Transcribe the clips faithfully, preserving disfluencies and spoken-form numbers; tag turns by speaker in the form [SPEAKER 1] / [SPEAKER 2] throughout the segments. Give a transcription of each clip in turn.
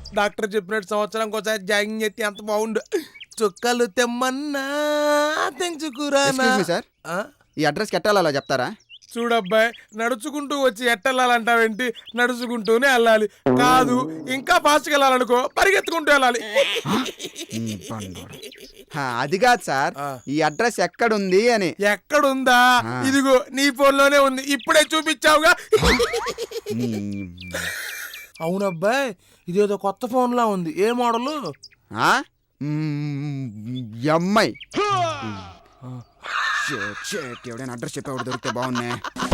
[SPEAKER 1] Doctor చెప్పినట్టు సంవత్సరం ఒకసారి జాగింగ్ చేస్తే ఎంత బాగుండు. చుక్కలు తెమ్మన్నా తెంచుకురానా
[SPEAKER 2] సార్ ఈ అడ్రస్ కెట్టాలా చెప్తారా?
[SPEAKER 1] చూడబ్బాయి, నడుచుకుంటూ వచ్చి ఎట్టెళ్ళాలంటావేంటి? నడుచుకుంటూనే వెళ్ళాలి. కాదు ఇంకా ఫాస్ట్గా వెళ్ళాలనుకో పరిగెత్తుకుంటూ వెళ్ళాలి.
[SPEAKER 2] అది కాదు సార్, ఈ అడ్రస్ ఎక్కడుంది అని.
[SPEAKER 1] ఎక్కడుందా? ఇదిగో నీ ఫోన్ లోనే ఉంది, ఇప్పుడే చూపించావుగా. అవునబ్బాయి, ఇదేదో కొత్త ఫోన్ లా ఉంది. ఏ మోడలు?
[SPEAKER 2] ఎంఐ. ఎవడైనా అడ్రస్ చెప్పేవాడు దొరికితే బాగున్నాయి.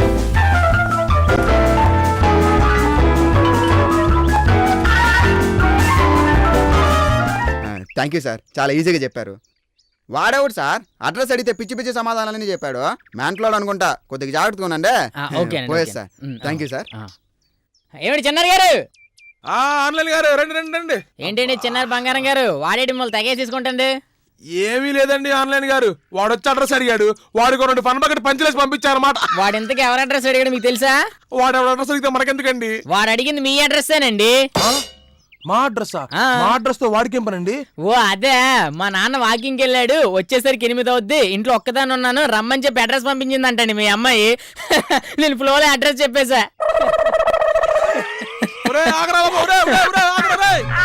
[SPEAKER 2] థ్యాంక్ యూ సార్, చాలా ఈజీగా చెప్పారు. వాడేవాడు సార్ అడ్రస్ అడిగితే పిచ్చి పిచ్చి సమాధానాలని చెప్పాడు. మ్యాంట్లో అనుకుంటా, కొద్దిగా జాగ్రత్తగా ఉండండి. పోయేది సార్. Thank you sir.
[SPEAKER 3] ఏమిటి చిన్నారు గారు?
[SPEAKER 1] ఆన్లైన్ గారు రండి రండి రండి.
[SPEAKER 3] ఏంటండి చిన్నారు బంగారం గారు, వాడేటి మిమ్మల్ని తగేసి తీసుకుంటండి.
[SPEAKER 1] ఏమీ లేదండి ఆన్లైన్ గారు, వాడు వచ్చి అడ్రస్ అడిగాడు. వాడికి రెండు ఫన్ బకెట్ పంచలేసి పంపించారన్నమాట.
[SPEAKER 3] వాడు ఇంతకీ ఎవరు అడ్రస్ అడిగాడు మీకు తెలుసా?
[SPEAKER 1] వాడు ఎవరు అడ్రస్ అడిగితే మనకెందుకండి?
[SPEAKER 3] వాడు అడిగింది మీ అడ్రస్సేనండి.
[SPEAKER 1] మా అడ్రస్? మా అడ్రస్ తో వాడికి ఏం పనండి?
[SPEAKER 3] ఓ అదే, మా నాన్న వాకింగ్కి వెళ్ళాడు, వచ్చేసరికి ఎనిమిది అవుద్ది, ఇంట్లో ఒక్కదాన్ని ఉన్నాను, రమ్మని చెప్పి అడ్రస్ పంపించిందంటండి మీ అమ్మాయి. నేను ఫ్లోలో అడ్రస్ చెప్పేశా.